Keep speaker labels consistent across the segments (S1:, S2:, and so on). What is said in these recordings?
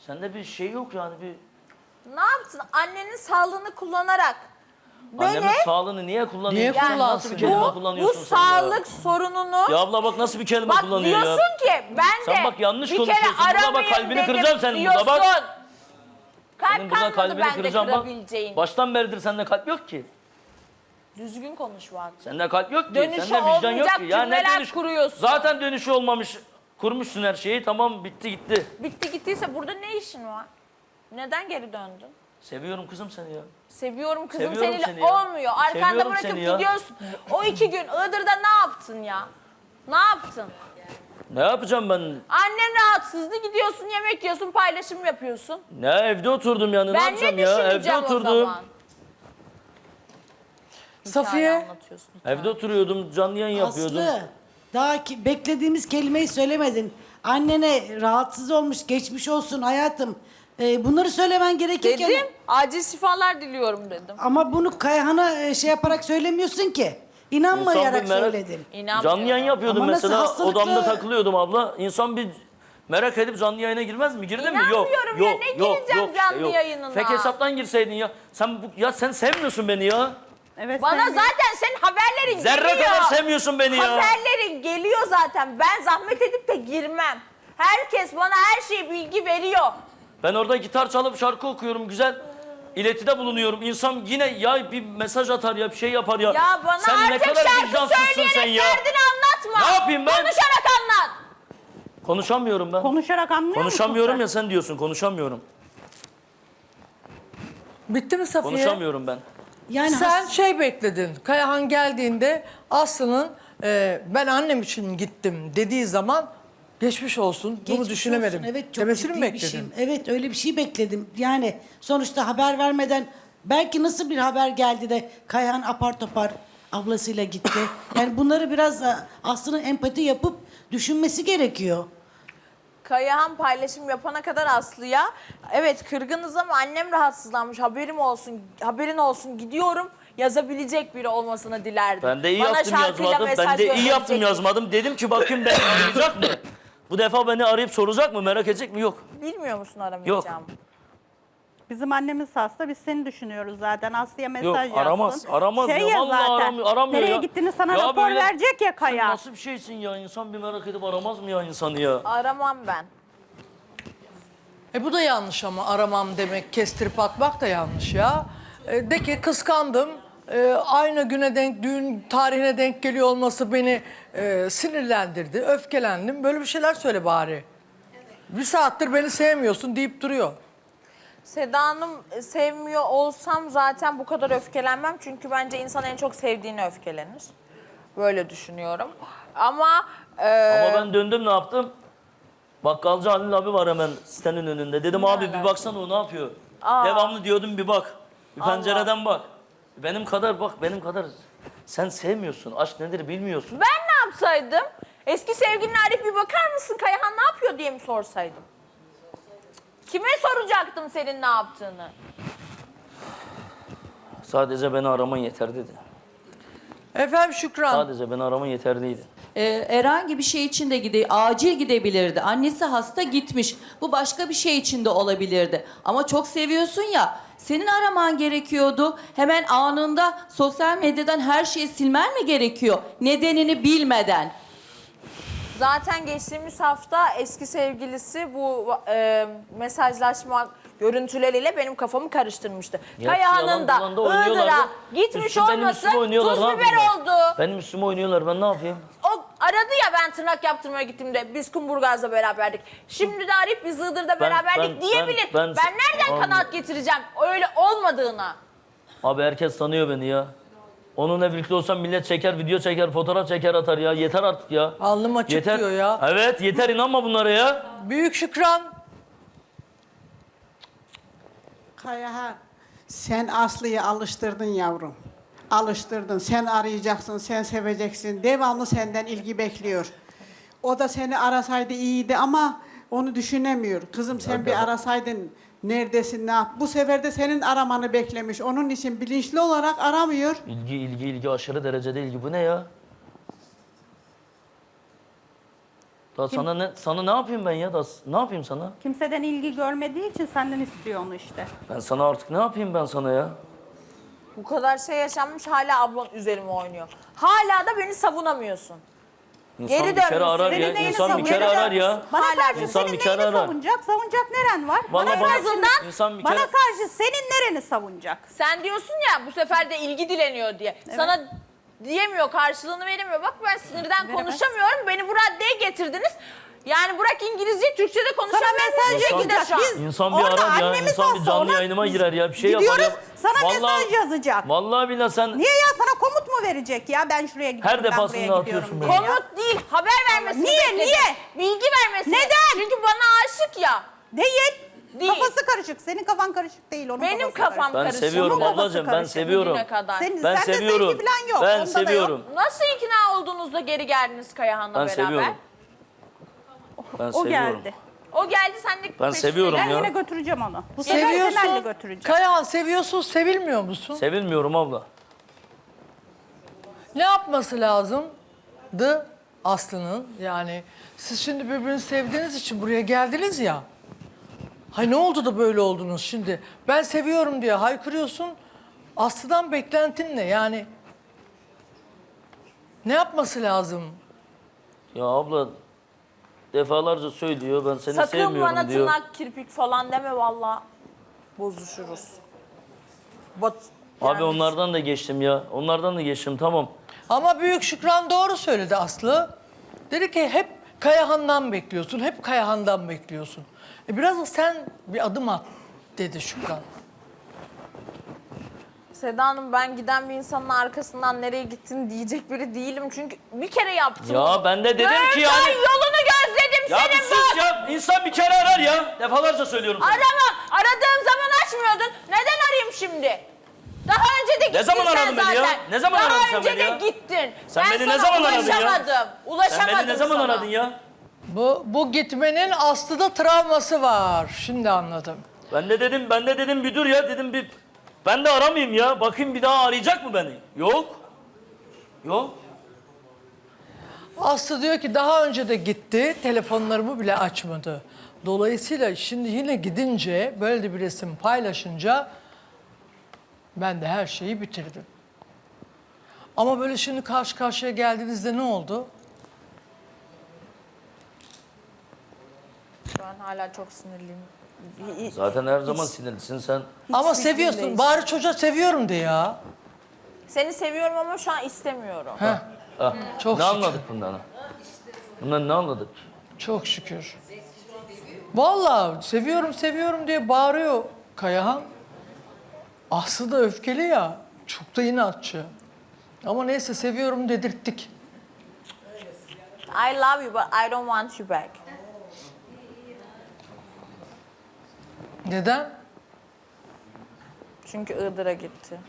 S1: Sende bir şey yok yani bir...
S2: Ne yaptın? Annenin sağlığını kullanarak.
S1: Annemin sağlığını niye kullanıyorsun?
S3: Niye
S1: Nasıl bir
S3: kullansın?
S1: kelime
S2: Bu
S1: kullanıyorsun sen
S2: sağlık sorununu...
S1: ya? Ya abla bak nasıl bir kelime
S2: Bak
S1: kullanıyor ya.
S2: diyorsun ki ben de
S1: Sen bak yanlış
S2: bir kere
S1: konuşuyorsun. Burada bak
S2: aramayayım
S1: kalbini
S2: dedim
S1: kıracağım senin
S2: diyorsun.
S1: burada bak.
S2: Kalp
S1: Senin burada
S2: kalmadı
S1: kalbini
S2: bende
S1: kıracağım bak.
S2: kırabileceğin.
S1: Baştan beridir sende kalp yok ki.
S2: Düzgün konuş bak.
S1: Sende kalp yok ki.
S2: Dönüşü
S1: Sende vicdan yok
S2: olmayacak
S1: ki. Ya ne
S2: cümleler
S1: dönüş?
S2: kuruyorsun.
S1: Zaten dönüşü olmamış. Kurmuşsun her şeyi. Tamam bitti gitti.
S2: Bitti gittiyse burada ne işin var? Neden geri döndün?
S1: Seviyorum kızım seni ya.
S2: Seviyorum kızım
S1: Seviyorum
S2: seninle
S1: seni ya.
S2: olmuyor. Arkanda
S1: Seviyorum
S2: bırakıp
S1: seni ya.
S2: gidiyorsun. O 2 gün Iğdır'da ne yaptın ya? Ne yaptın?
S1: Ne yapacağım ben?
S2: Annen rahatsızdı gidiyorsun yemek yiyorsun paylaşım yapıyorsun.
S1: Ne evde oturdum yani. Ne
S2: Ben ne
S1: yapacağım ya? Evde
S2: düşüneceğim o
S1: oturdum.
S2: zaman?
S3: Safiye.
S2: Hikaye anlatıyorsun.
S1: Evde oturuyordum. Canlı yayın yapıyordum.
S4: Aslı, daha beklediğimiz kelimeyi söylemedin. Annene rahatsız olmuş, geçmiş olsun hayatım. Bunları söylemen gerekirken...
S2: Dedim acil şifalar diliyorum dedim.
S4: Ama bunu Kayhan'a şey yaparak söylemiyorsun ki. İnanmayarak
S1: İnsan bir merak-
S4: söyledin.
S2: İnanmıyorum.
S1: Canlı yayın yapıyordum
S4: Ama nasıl
S1: mesela.
S4: hastalıklı-
S1: Odamda takılıyordum abla. İnsan bir merak edip canlı yayına girmez mi? Girdin mi? Yok.
S2: İnanmıyorum ya, ne gireceğim canlı yayınına?
S1: Fake hesaptan girseydin ya. Sen sevmiyorsun beni ya.
S5: Evet,
S2: Bana
S5: sen-
S2: zaten senin haberlerin
S1: Zerre
S2: geliyor.
S1: kadar sevmiyorsun beni ya.
S2: Haberlerin geliyor zaten. Ben zahmet edip de girmem. Herkes bana her şeyi bilgi veriyor.
S1: Ben orada gitar çalıp şarkı okuyorum. Güzel iletide bulunuyorum. İnsan yine ya bir mesaj atar ya bir şey yapar ya.
S2: Ya bana
S1: sen ne
S2: artık
S1: kadar
S2: şarkı
S1: vicdansızsın
S2: söyleyerek
S1: sen ya.
S2: derdini anlatma.
S1: Ne yapayım ben?
S2: Konuşarak anlat.
S1: Konuşamıyorum ben.
S5: konuşarak anlıyor musun
S1: Konuşamıyorum
S5: sen?
S1: ya sen diyorsun konuşamıyorum.
S3: Bitti mi Safiye?
S1: Konuşamıyorum ben.
S4: Yani
S3: Sen şey bekledin. Kayahan geldiğinde Aslı'nın ben annem için gittim dediği zaman geçmiş olsun. Bunu
S4: geçmiş
S3: düşünemedim.
S4: olsun. Evet, çok
S3: demesini mi
S4: ciddi bir
S3: bekledin?
S4: şey. Evet öyle bir şey bekledim. Yani sonuçta haber vermeden belki nasıl bir haber geldi de Kayhan apar topar ablasıyla gitti. Yani bunları biraz da Aslı'nın empati yapıp düşünmesi gerekiyor.
S2: Kayahan paylaşım yapana kadar Aslı'ya evet kırgınız ama annem rahatsızlanmış haberin olsun gidiyorum yazabilecek biri olmasını dilerdim.
S1: Ben de iyi
S2: Bana
S1: yaptım
S2: şarkıyla
S1: yazmadım. Ben
S2: mesaj
S1: de iyi yaptım
S2: gönderecek.
S1: yazmadım. Dedim ki bakayım beni arayacak mı? Bu defa beni arayıp soracak mı? Merak edecek mi? Yok.
S2: Bilmiyor musun aramayacağım?
S5: Bizim annemiz hasta, biz seni düşünüyoruz zaten. Aslı'ya mesaj
S1: Yok,
S5: yazsın.
S1: aramaz. Aramaz ya. Vallahi aramıyor
S5: Nereye
S1: ya.
S5: gittiğini sana
S1: Ya
S5: rapor
S1: böyle-
S5: verecek ya
S1: Sen
S5: Kaya.
S1: nasıl bir şeysin ya? İnsan bir merak edip aramaz mı ya insanı ya?
S2: Aramam ben.
S3: Bu da yanlış ama aramam demek, kestirip atmak da yanlış ya. De ki kıskandım. Aynı güne denk, düğün tarihine denk geliyor olması beni sinirlendirdi, öfkelendim. Böyle bir şeyler söyle bari. Bir saattir beni sevmiyorsun deyip duruyor.
S2: Seda Hanım sevmiyor olsam zaten bu kadar öfkelenmem. Çünkü bence insan en çok sevdiğini öfkelenir. Böyle düşünüyorum. Ama
S1: Ama ben döndüm ne yaptım? Bakkalcı Halil abi var hemen sitenin önünde. Dedim abi bir baksana o ne yapıyor? Devamlı diyordum bir bak. Bir pencereden bak. Benim kadar sen sevmiyorsun. Aşk nedir bilmiyorsun.
S2: ben ne yapsaydım? Eski sevgilin Arif bir bakar mısın Kayahan ne yapıyor diye mi sorsaydım? Kime soracaktım senin ne yaptığını?
S1: Sadece beni araman yeter dedi.
S3: Efendim Şükran.
S1: Sadece beni araman yeterliydi.
S6: Herhangi bir şey için de acil gidebilirdi. Annesi hasta gitmiş. Bu başka bir şey için de olabilirdi. Ama çok seviyorsun ya. Senin araman gerekiyordu. Hemen anında sosyal medyadan her şeyi silmen mi gerekiyor? Nedenini bilmeden.
S2: Zaten geçtiğimiz hafta eski sevgilisi bu mesajlaşma görüntüleriyle benim kafamı karıştırmıştı.
S1: Ya,
S2: Kayahan'ın
S1: yalan
S2: da
S1: dolan da oynuyorlar
S2: Iğdır'a
S1: da.
S2: gitmiş
S1: Benim
S2: olması
S1: üstüme oynuyorlar,
S2: tuz
S1: ne
S2: biber
S1: yapayım ben?
S2: oldu.
S1: Benim üstüme oynuyorlar ben ne yapayım?
S2: O aradı ya ben tırnak yaptırmaya gittiğimde biz Kumburgaz'da beraberdik. Şimdi de arayıp biz Iğdır'da beraberdik diyebilir. Ben nereden
S1: Anladım.
S2: kanaat getireceğim öyle olmadığına?
S1: Abi herkes tanıyor beni ya. Onunla birlikte olsam millet çeker, video çeker, fotoğraf çeker atar ya. Yeter artık ya.
S3: Alnım açık
S1: Yeter.
S3: diyor ya.
S1: Evet yeter inanma bunlara ya.
S3: Büyük Şükran.
S7: Kayahan, sen Aslı'yı alıştırdın yavrum. Alıştırdın. Sen arayacaksın, sen seveceksin. Devamlı senden ilgi bekliyor. O da seni arasaydı iyiydi ama onu düşünemiyor. Kızım sen bir arasaydın neredesin, ne yap? Bu sefer de senin aramanı beklemiş. Onun için bilinçli olarak aramıyor.
S1: İlgi aşırı derecede ilgi. Bu ne ya? Da sana ne yapayım ben ya? Da ne yapayım sana?
S5: Kimseden ilgi görmediği için senden istiyor onu işte.
S1: Ben sana artık ne yapayım ben sana ya?
S2: Bu kadar şey yaşanmış hala ablan üzerime oynuyor. Hala da beni savunamıyorsun.
S1: İnsan
S2: Geri
S1: bir kere
S2: dönmüşsün.
S1: arar
S5: Senin
S1: ya.
S5: neyini
S1: İnsan bir kere
S5: savunacak?
S1: arar ya.
S5: Bana
S2: Hala
S5: karşı
S1: insan
S5: senin
S1: bir kere
S5: neyini
S1: arar.
S5: savunacak? Savunacak neren var?
S1: Vallahi
S5: Bana
S1: bana-
S5: karşı,
S1: insan bir
S5: bana
S1: kere...
S5: karşı senin nereni savunacak?
S2: Sen diyorsun ya bu sefer de ilgi dileniyor diye. Sana diyemiyor, karşılığını veremiyor. Bak ben sinirden konuşamıyorum. Beni bu raddeye getirdiniz. Yani bırak İngilizceyi, Türkçe'de konuşamıyorum.
S5: mesaj
S2: Bu şekilde
S5: yazacak.
S2: şu an.
S5: Biz
S1: İnsan bir
S5: orada
S1: arar ya.
S5: annemiz
S1: İnsan bir
S5: olsa
S1: canlı
S5: ona
S1: yayınıma girer ya. Bir şey yapar
S5: gidiyoruz,
S1: ya.
S5: sana mesaj yazacak.
S1: Vallahi billahi sen
S5: Niye ya sana komut mu verecek ya? Ben şuraya gidiyorum,
S1: Her
S5: ben
S1: defasında
S5: buraya
S1: atıyorsun
S5: gidiyorum
S1: beni.
S5: diye ya.
S2: Komut değil, haber vermesini
S5: Niye,
S2: bekledim.
S5: niye?
S2: Bilgi vermesini.
S5: Neden?
S2: Çünkü bana aşık ya.
S5: Değil.
S2: Değil.
S5: Kafası karışık. Senin kafan karışık değil. Onun
S2: Benim
S5: kafası
S2: kafam
S1: ben
S2: karışık.
S1: seviyorum
S5: Onun kafası
S1: ablacığım. Ben
S5: karışık
S1: seviyorum.
S2: Bugüne kadar.
S5: Senin,
S1: Ben
S5: sende
S1: seviyorum.
S5: sevgi falan yok.
S1: Ben
S5: onda da yok.
S1: seviyorum.
S2: Nasıl ikna olduğunuzda geri geldiniz Kayahan'la
S1: Ben
S2: beraber?
S1: seviyorum. Ben
S5: O
S1: seviyorum.
S5: geldi.
S2: O geldi sen de
S1: Ben seviyorum
S5: Ben
S1: ya.
S5: yine götüreceğim onu. Bu sefer temelli
S3: Seviyorsun.
S5: götüreceğim.
S3: Kayahan seviyorsun, sevilmiyor musun?
S1: Sevilmiyorum abla.
S3: Ne yapması lazımdı Aslı'nın? Yani siz şimdi birbirini sevdiğiniz için buraya geldiniz ya. Hay ne oldu da böyle oldunuz şimdi? Ben seviyorum diye haykırıyorsun. Aslı'dan beklentin ne? Yani ne yapması lazım?
S1: Ya abla defalarca söylüyor ben seni
S2: Sakın
S1: sevmiyorum
S2: bana
S1: diyor.
S2: tırnak kirpik falan deme valla. Bozuşuruz.
S1: Abi onlardan da geçtim ya. Onlardan da geçtim tamam.
S3: Ama Büyük Şükran doğru söyledi Aslı. Dedi ki hep Kayahan'dan bekliyorsun, hep Kayahan'dan bekliyorsun. Biraz da sen bir adım at dedi Şükran.
S2: Seda Hanım ben giden bir insanın arkasından nereye gittin diyecek biri değilim. Çünkü bir kere yaptım.
S1: Ya ben de dedim ki
S2: 4
S1: yani...
S2: ay yolunu gözledim
S1: Ya bir
S2: senin
S1: sus
S2: bak.
S1: ya. İnsan bir kere arar ya. Defalarca söylüyorum sana.
S2: Arama. Aradığım zaman açmıyordun. Neden arayayım şimdi? Daha önce de gittin
S1: Ne zaman
S2: sen
S1: aradın beni ya?
S2: zaten.
S1: Ne zaman aradın sen
S2: Daha önce
S1: beni
S2: de
S1: ya?
S2: gittin.
S1: Sen
S2: Ben
S1: beni ne
S2: sana
S1: zaman aradın ya?
S2: ulaşamadım. Ulaşamadım
S1: Sen beni ne zaman
S2: sana.
S1: aradın ya?
S3: Bu gitmenin Aslı'da travması var. Şimdi anladım.
S1: Ben de dedim bir dur ya dedim bir... Ben de aramayayım ya. Bakayım bir daha arayacak mı beni? Yok. Yok.
S3: Aslı diyor ki daha önce de gitti, telefonlarımı bile açmadı. Dolayısıyla şimdi yine gidince, böyle de bir resim paylaşınca ben de her şeyi bitirdim. Ama böyle şimdi karşı karşıya geldiğinizde ne oldu?
S2: Şu an hala çok sinirliyim.
S1: Zaten her zaman sinirlisin sen.
S3: Ama
S2: fikrim
S3: seviyorsun.
S2: değişti.
S3: Bari çocuğa seviyorum de ya.
S2: Seni seviyorum ama şu an istemiyorum.
S1: Ah,
S3: Çok
S1: ne
S3: şükür.
S1: anladık bundan? Bundan ne anladık?
S3: Çok şükür. Vallahi seviyorum diye bağırıyor Kayahan. Aslı da öfkeli ya. Çok da inatçı. Ama neyse seviyorum dedirttik.
S2: I love you but I don't want you back.
S3: Neden?
S2: Çünkü Iğdır'a gitti.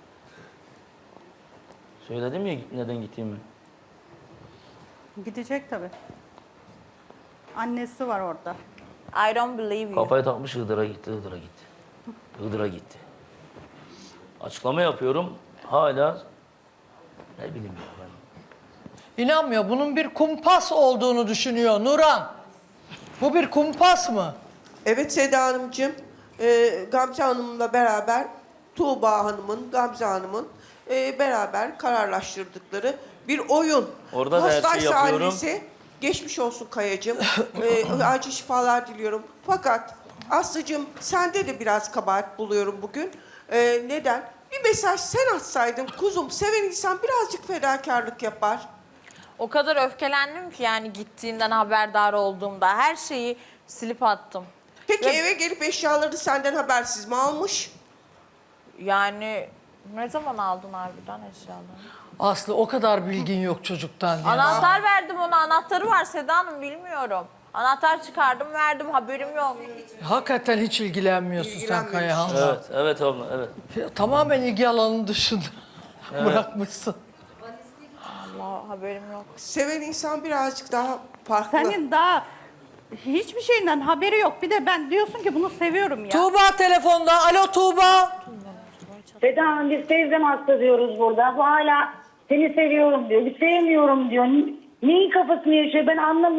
S1: Söyledim ya neden gittiğimi.
S5: Gidecek tabii. Annesi var orada.
S2: I don't believe you.
S1: Kafayı takmış Iğdır'a gitti. Iğdır'a gitti. Açıklama yapıyorum. Hala ne bileyim ya ben.
S3: İnanmıyor. Bunun bir kumpas olduğunu düşünüyor Nuran. Bu bir kumpas mı?
S8: Evet Seda Hanımcığım, Gamze Hanım'la beraber Tuğba Hanım'ın, Gamze Hanım'ın beraber kararlaştırdıkları bir oyun.
S1: Orada da her şeyi
S8: Hastaysa
S1: yapıyorum.
S8: annesi, geçmiş olsun Kayacığım, acil şifalar diliyorum. Fakat Aslı'cığım sende de biraz kabahat buluyorum bugün. Neden? Bir mesaj sen atsaydın kuzum, seven insan birazcık fedakarlık yapar.
S2: O kadar öfkelendim ki yani gittiğinden haberdar olduğumda her şeyi silip attım.
S8: Peki
S2: Ve-
S8: eve gelip eşyaları senden habersiz mi almış?
S2: Yani ne zaman aldın harbiden eşyalarını?
S3: Aslı o kadar bilgin yok çocuktan ya.
S2: Anahtar verdim ona. Anahtarı var Seda Hanım bilmiyorum. Anahtar çıkardım verdim haberim yok.
S3: Hakikaten hiç ilgilenmiyorsun sen
S8: İlgilenmemiş.
S3: Kayahan'la.
S1: Evet abla evet.
S3: Tamamen ilgi alanının dışında bırakmışsın.
S2: Allah haberim yok.
S8: Seven insan birazcık daha farklı.
S5: Senin daha hiçbir şeyinden haberi yok. Bir de ben diyorsun ki bunu seviyorum ya.
S3: Tuğba telefonda. Alo Tuğba.
S9: Seda Hanım biz teyzem hasta diyoruz burada. Bu hala seni seviyorum diyor. Bir sevmiyorum diyor. Neyin kafasını yaşıyor ben anlamıyorum.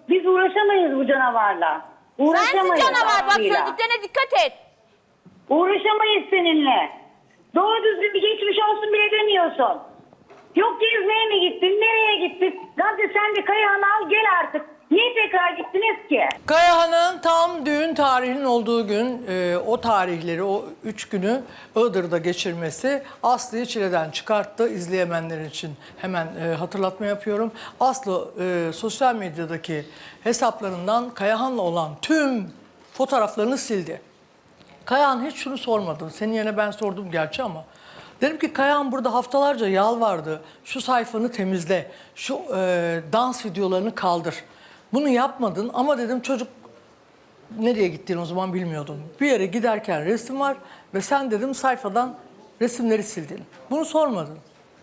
S9: Biz uğraşamayız bu canavarla.
S2: Sensin
S9: Uğraşamayız
S2: canavar. Bak
S9: Aslı'yla.
S2: söylediklerine dikkat et.
S9: Uğraşamayız seninle. Doğru düzgün bir geçmiş olsun bile demiyorsun. Yok gezmeye mi gittin? Nereye gittin? Gamze sen de Kayahan'ı al gel artık. Niye tekrar gittiniz ki?
S3: Kayahan'ın tam düğün tarihinin olduğu gün o tarihleri, o 3 günü Iğdır'da geçirmesi Aslı'yı çileden çıkarttı. İzleyemeyenler için hemen hatırlatma yapıyorum. Aslı sosyal medyadaki hesaplarından Kayahan'la olan tüm fotoğraflarını sildi. Kayahan hiç şunu sormadı. Senin yerine ben sordum gerçi ama. Dedim ki Kayahan burada haftalarca yalvardı. Şu sayfanı temizle, şu dans videolarını kaldır. Bunu yapmadın ama dedim çocuk nereye gittiğini o zaman bilmiyordum. Bir yere giderken resim var ve sen dedim sayfadan resimleri sildin. Bunu sormadın.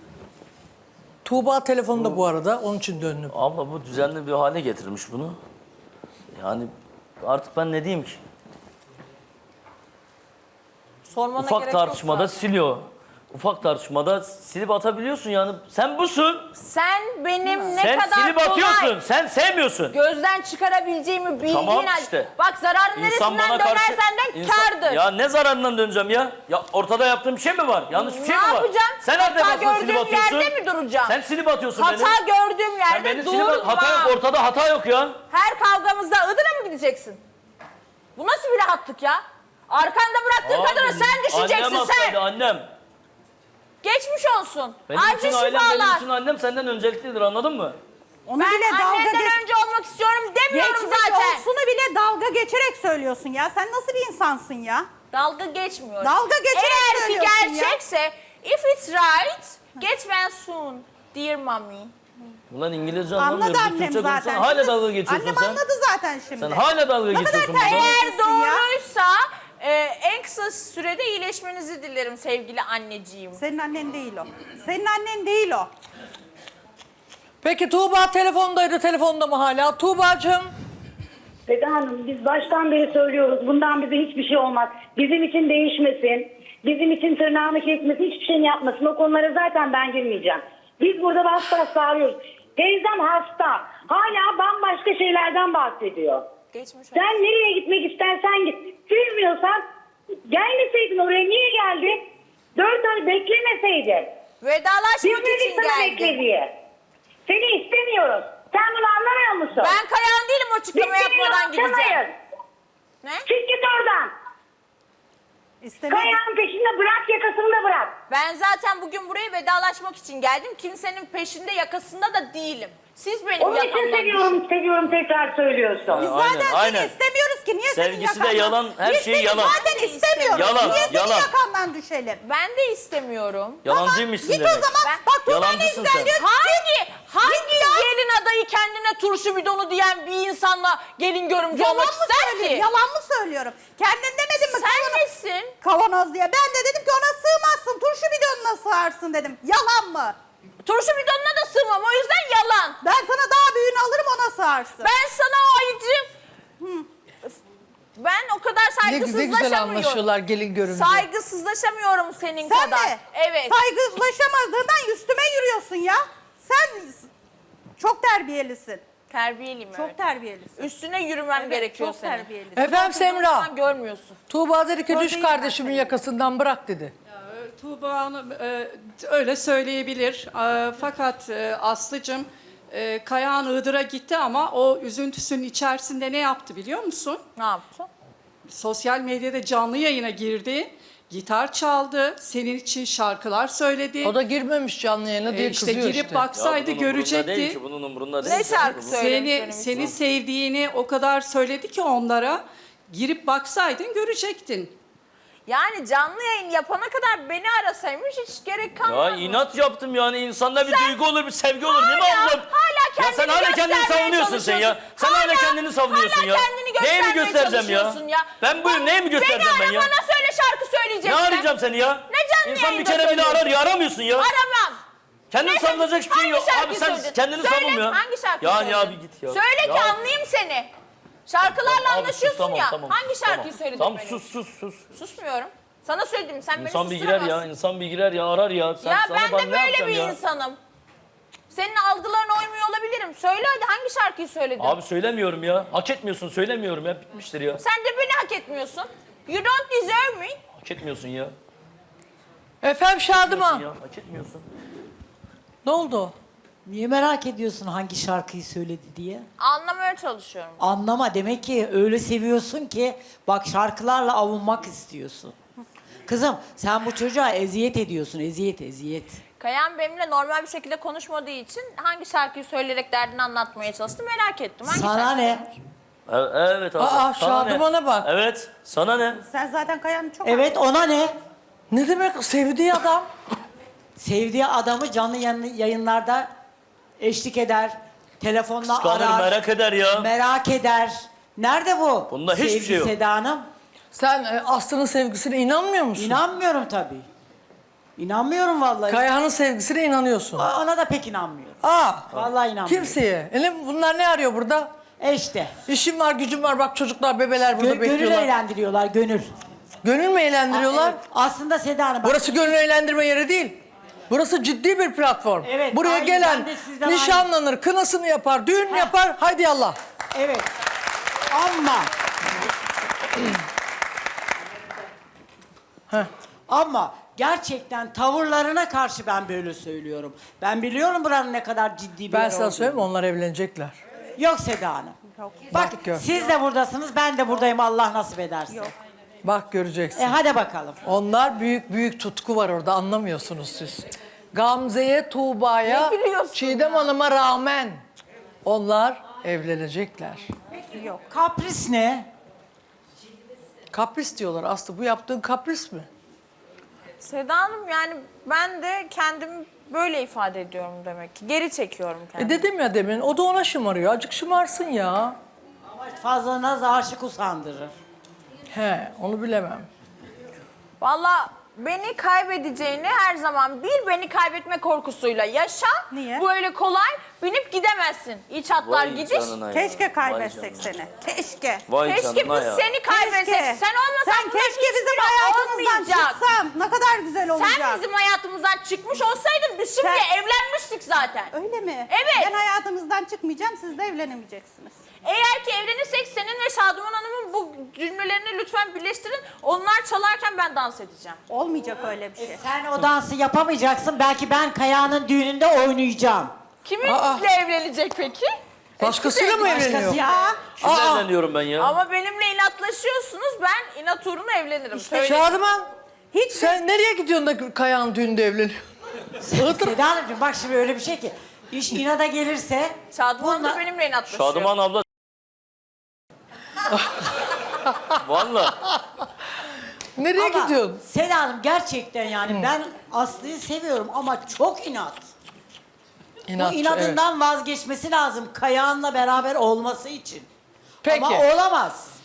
S3: Tuğba telefonda bu arada onun için döndüm.
S1: Abla bu düzenli bir hale getirmiş bunu. Yani artık ben ne diyeyim ki?
S2: Sormana
S1: Ufak
S2: gerek yok
S1: tartışmada
S2: zaten.
S1: siliyor. Ufak tartışmada silip atabiliyorsun yani. Sen busun.
S2: Sen benim ne
S1: Sen
S2: kadar
S1: silip atıyorsun.
S2: kolay
S1: Sen sevmiyorsun.
S2: gözden çıkarabileceğimi bildiğin
S1: Tamam
S2: halde-
S1: işte.
S2: Bak zararın neresinden dönersen de kârdır.
S1: Ya ne zararından döneceğim ya? Ya ortada yaptığım bir şey mi var? Yanlış bir şey mi
S2: Ne
S1: var?
S2: yapacağım?
S1: Sen her
S2: Hata
S1: defasında silip
S2: gördüğüm
S1: atıyorsun.
S2: yerde mi duracağım?
S1: Sen silip atıyorsun beni.
S2: Hata gördüğüm
S1: Sen
S2: yerde
S1: beni silip
S2: durmam.
S1: hata yok, ortada hata yok ya.
S2: Her kavgamızda Iğdır'a mı gideceksin? Bu nasıl bir rahatlık ya? Arkanda bıraktığın kadını
S1: Abi,
S2: sen düşeceksin
S1: Annem
S2: sen.
S1: hastaydı annem.
S2: Geçmiş olsun.
S1: Benim
S2: Acil
S1: için ailem, benim
S2: şifalar.
S1: için annem senden önceliklidir, anladın mı?
S5: Onu
S2: Ben
S5: bile dalga
S2: annenden önce olmak istiyorum demiyorum
S5: geçmiş
S2: zaten.
S5: olsunu bile dalga geçerek söylüyorsun ya. Sen nasıl bir insansın ya?
S2: Dalga geçmiyorum.
S5: Dalga geçerek
S2: Eğer ki
S5: söylüyorsun ya.
S2: gerçekse if it's right, get well soon, dear mommy.
S1: Ulan İngilizce anlamıyorum.
S5: Anladı
S1: Bir
S5: annem
S1: Türkçe
S5: zaten.
S1: konuşsana. Hala
S5: Şimdi
S1: dalga geçiyorsun
S5: annem
S1: sen.
S5: anladı zaten şimdi.
S1: Sen hala dalga
S5: Ne kadar
S1: geçiyorsun burada.
S5: terbiyesiz.
S2: Eğer doğruysa en kısa sürede iyileşmenizi dilerim sevgili anneciğim.
S5: Senin annen değil o. Senin annen değil o.
S3: Peki Tuğba telefondaydı, telefonda mı hala? Tuğbacığım.
S9: Seda Hanım biz baştan beri söylüyoruz. Bundan bize hiçbir şey olmaz. Bizim için değişmesin. Bizim için tırnağını kesmesin. Hiçbir şeyini yapmasın. O konulara zaten ben girmeyeceğim. Biz burada bas bas bağırıyoruz. Teyzem hasta. Hala bambaşka şeylerden bahsediyor.
S2: Geçmiş olsun.
S9: Sen nereye gitmek istersen git. Sevmiyorsan gelmeseydin oraya. Niye geldin? 4 ay beklemeseydin.
S2: Vedalaşmak
S9: Bilmedik
S2: için
S9: sana
S2: geldim.
S9: bekle diye. Seni istemiyoruz. Sen bunu anlamıyor musun?
S2: Ben Kayahan değilim o
S9: Biz
S2: açıklama
S9: seninle
S2: yapmadan gideceğim.
S9: uğraşamayız.
S2: Ne?
S9: Çık git oradan.
S5: İstemedim.
S9: Kayağın peşinde bırak, yakasını da bırak.
S2: Ben zaten bugün buraya vedalaşmak için geldim. Kimsenin peşinde yakasında da değilim. Siz benim
S9: Onun için
S2: yakamdan
S9: seviyorum, seviyorum tekrar söylüyorsun.
S5: Biz
S1: Aynen,
S5: zaten
S1: aynen.
S5: seni istemiyoruz ki. Niye
S1: Sevgisi
S5: senin
S1: de
S5: yakandan?
S1: yalan, her
S5: Biz
S1: şey
S5: seni
S1: yalan.
S5: zaten istemiyoruz.
S1: Yalan,
S5: Niye senin
S1: yalan.
S5: yakandan düşelim?
S2: Ben de istemiyorum.
S1: Yalancıymışsın
S5: Git
S1: demek.
S5: o zaman.
S2: Ben-
S5: Bak Tuğba ne
S1: Yalancısın
S5: güzel
S1: sen.
S5: diyor.
S2: Hangi gelin adayı kendine turşu bidonu diyen bir insanla gelin görümcü
S5: Yalan
S2: olmak
S5: mı
S2: ister
S5: söylüyorum?
S2: ki?
S5: Yalan mı söylüyorum? Kendin demedin mi?
S2: Sen
S5: kavanoz-
S2: nesin?
S5: Kavanoz diye. Ben de dedim ki ona sığmazsın. Turşu bidonuna sığarsın dedim. Yalan mı?
S2: Turşu bidonuna da sığmam o yüzden yalan.
S5: Ben sana daha büyüğünü alırım ona sığarsın.
S2: Ben sana o ayıcım. Ben o kadar
S3: Ne güzel
S2: saygısızlaşamıyorum.
S3: anlaşıyorlar gelin görünce.
S2: Saygısızlaşamıyorum senin
S5: Sen
S2: kadar.
S5: de
S2: Evet.
S5: saygılaşamadığından üstüme yürüyorsun ya. Sen çok terbiyelisin.
S2: Terbiyeliyim
S5: Çok
S2: evet.
S5: terbiyelisin.
S2: Üstüne yürümem
S5: Evet,
S2: gerekiyor
S5: çok
S2: senin.
S5: terbiyelisin.
S3: Efendim Semra.
S2: Sen görmüyorsun.
S3: Tuğba dedi ki düş
S5: Oradayım
S3: kardeşimin
S5: ben.
S3: yakasından bırak dedi.
S10: Tuğba Hanım öyle söyleyebilir. Fakat Aslı'cığım Kayahan Iğdır'a gitti ama o üzüntüsünün içerisinde ne yaptı biliyor musun?
S2: Ne yaptın?
S10: Sosyal medyada canlı yayına girdi. Gitar çaldı. Senin için şarkılar söyledi.
S3: O da girmemiş canlı yayına diye
S10: işte
S3: kızıyor
S10: girip
S3: işte.
S10: baksaydı
S1: bunun umurunda değil
S10: görecekti.
S1: ki, bunun umurunda değil.
S2: Ne şarkı söylemiş benim
S10: Seni
S2: için?
S10: sevdiğini o kadar söyledi ki onlara. Girip baksaydın görecektin.
S2: Yani canlı yayın yapana kadar beni arasaymış hiç gerek
S1: Ya
S2: kalmaz.
S1: inat yaptım yani, insanda bir duygu olur, bir sevgi olur değil mi ablam?
S2: hala
S1: Ya sen
S2: kendini
S1: hala kendini
S2: göstermeye
S1: savunuyorsun sen ya.
S2: çalışıyorsun.
S1: Sen hala kendini savunuyorsun
S2: hala
S1: ya.
S2: kendini
S1: Neyi
S2: göstermeye
S1: mi göstereceğim ya?
S2: çalışıyorsun
S1: Ben buyum, neyi mi göstereceğim ben
S2: Beni
S1: ya?
S2: ara bana söyle şarkı
S1: Ne
S2: söyleyeceksin.
S1: arayacağım seni ya?
S2: Ne canlı
S1: İnsan bir
S2: yayında
S1: kere bile
S2: söylüyorsun?
S1: arar ya, aramıyorsun ya.
S2: Aramam.
S1: Kendini
S2: Neyse,
S1: savunacak hiçbir şey yok.
S2: hangi
S1: Abi
S2: şarkıyı
S1: sen
S2: söyledin?
S1: kendini
S2: Söyle,
S1: savun ya.
S2: hangi şarkıyı
S1: Yani
S2: söyledin?
S1: abi git ya.
S2: Söyle ki
S1: Ya.
S2: anlayayım seni. Şarkılarla
S1: Abi sus,
S2: anlaşıyorsun
S1: tamam,
S2: ya.
S1: tamam,
S2: Hangi
S1: sus,
S2: şarkıyı
S1: tamam.
S2: söyledin
S1: Tamam
S2: benim?
S1: sus.
S2: Susmuyorum. Sana söyledim sen
S1: İnsan
S2: beni
S1: bir girer ya,
S2: susturamazsın.
S1: insan bir girer ya, arar ya. Sen,
S2: Ya
S1: sana
S2: ben de
S1: ne
S2: böyle
S1: yapacağım
S2: bir
S1: ya?
S2: insanım. Senin algılarına uymuyor olabilirim. Söyle hadi, hangi şarkıyı söyledin?
S1: Abi söylemiyorum ya. Hak etmiyorsun, söylemiyorum ya. Bitmiştir ya.
S2: Sen de beni hak etmiyorsun. You don't deserve me.
S1: Hak etmiyorsun ya.
S3: Efendim Şadıman.
S1: Ya hak etmiyorsun.
S3: Ne oldu?
S11: Niye merak ediyorsun hangi şarkıyı söyledi diye?
S2: Anlamaya çalışıyorum.
S11: Anlama, demek ki öyle seviyorsun ki bak şarkılarla avunmak istiyorsun. Kızım sen bu çocuğa eziyet ediyorsun, eziyet.
S2: Kayan benimle normal bir şekilde konuşmadığı için hangi şarkıyı söyleyerek derdini anlatmaya çalıştı merak ettim. Hangi
S11: Sana
S2: şarkı
S11: ne?
S2: söylemiş?
S1: Evet abi.
S3: Aa,
S1: sana ne?
S3: Şadıman'a bak.
S1: Evet, sana ne?
S5: Sen zaten Kaya'nın çok
S11: Evet, ona ne?
S3: Ne demek sevdiği adam?
S11: Sevdiği adamı canlı yayınlarda eşlik eder, telefonla
S1: Kıskanır,
S11: arar,
S1: merak eder ya.
S11: merak eder. Nerede bu?
S1: Bunda hiçbir
S11: sevgi
S1: şey yok.
S11: Seda Hanım?
S3: Sen Aslı'nın sevgisine inanmıyor musun?
S11: İnanmıyorum tabii. İnanmıyorum vallahi.
S3: Kayahan'ın sevgisine inanıyorsun.
S11: Ona da pek inanmıyorum.
S3: Aa,
S11: Vallahi inanmıyorum.
S3: kimseye. Bunlar ne arıyor burada?
S11: İşte.
S3: İşim var, gücüm var. Bak çocuklar, bebeler burada
S11: Gönül
S3: bekliyorlar.
S11: eğlendiriyorlar, gönül.
S3: Gönül mü eğlendiriyorlar?
S11: Evet, aslında Seda Hanım bak.
S3: Burası gönül eğlendirme yeri değil. Burası ciddi bir platform.
S11: Evet,
S3: Buraya
S11: aynı,
S3: gelen
S11: ben de sizden
S3: nişanlanır, kınasını yapar, düğün yapar. Haydi yallah.
S11: Evet. Ama ama gerçekten tavırlarına karşı ben böyle söylüyorum. Ben biliyorum buranın ne kadar ciddi bir
S3: Ben
S11: yer
S3: sana
S11: olduğunu.
S3: söyleyeyim mi? Onlar evlenecekler.
S11: Yok Seda Hanım. Bak
S3: gör.
S11: siz de buradasınız, ben de buradayım, Allah nasip ederse.
S3: Bak göreceksin.
S11: Hadi bakalım.
S3: Onlar büyük tutku var orada, anlamıyorsunuz siz. Gamze'ye, Tuğba'ya,
S2: Ne biliyorsun
S3: Çiğdem Hanım'a rağmen onlar evlenecekler.
S11: Kapris ne?
S3: Kapris diyorlar Aslı. Bu yaptığın kapris mi?
S2: Seda Hanım, yani ben de kendimi böyle ifade ediyorum demek ki. Geri çekiyorum kendimi.
S3: Dedim ya demin, o da ona şımarıyor. Azıcık şımarsın ya.
S11: Fazla naz aşık usandırır.
S3: He, onu bilemem.
S2: Valla beni kaybedeceğini her zaman bil, beni kaybetme korkusuyla yaşa.
S5: Niye?
S2: Bu öyle kolay binip gidemezsin. İç hatlar
S1: Vay
S2: gidiş.
S1: canına ya.
S5: Keşke kaybetsek
S1: Vay canına.
S5: seni. Keşke.
S1: Vay
S2: Keşke
S1: canına
S2: biz
S1: ya.
S2: seni kaybetsek.
S5: Keşke.
S2: Sen olmasan
S5: Sen
S2: bunların
S5: keşke bizim
S2: hiçbiri
S5: hayatımızdan
S2: olmayacak.
S5: çıksan. Ne kadar güzel olacak.
S2: Sen bizim hayatımızdan çıkmış olsaydın biz şimdi
S5: Sen-
S2: evlenmiştik zaten.
S5: Öyle mi?
S2: Evet.
S5: Ben hayatımızdan çıkmayacağım, siz de evlenemeyeceksiniz.
S2: Eğer ki evlenirsek senin ve Şaduman Hanım'ın bu cümlelerini lütfen birleştirin. Onlar çalarken ben dans edeceğim.
S5: Olmayacak öyle bir şey.
S11: Sen o dansı yapamayacaksın, belki ben Kaya'nın düğününde oynayacağım.
S2: Kiminle evlenecek peki?
S3: Başkasıyla mı evleniyor?
S5: Ya
S1: Kimle evleniyorum ben ya?
S2: Ama benimle inatlaşıyorsunuz. Ben inat uğruna evlenirim. Söyleyeyim.
S3: Şadıman, sen nereye gidiyorsun da Kaya'nın düğünde evleniyorsun?
S11: Seda Hanımcığım bak şimdi öyle bir şey ki, iş inada gelirse...
S2: Şaduman da
S11: bununla-
S2: benimle inatlaşıyor.
S1: Şadıman abla. Vallahi.
S3: Nereye
S11: Ama
S3: gidiyorsun?
S11: Seda Hanım gerçekten yani ben Aslı'yı seviyorum ama çok inat.
S3: İnatçı,
S11: Bu inadından vazgeçmesi lazım Kayağan'la beraber olması için.
S3: Peki.
S11: Ama olamaz.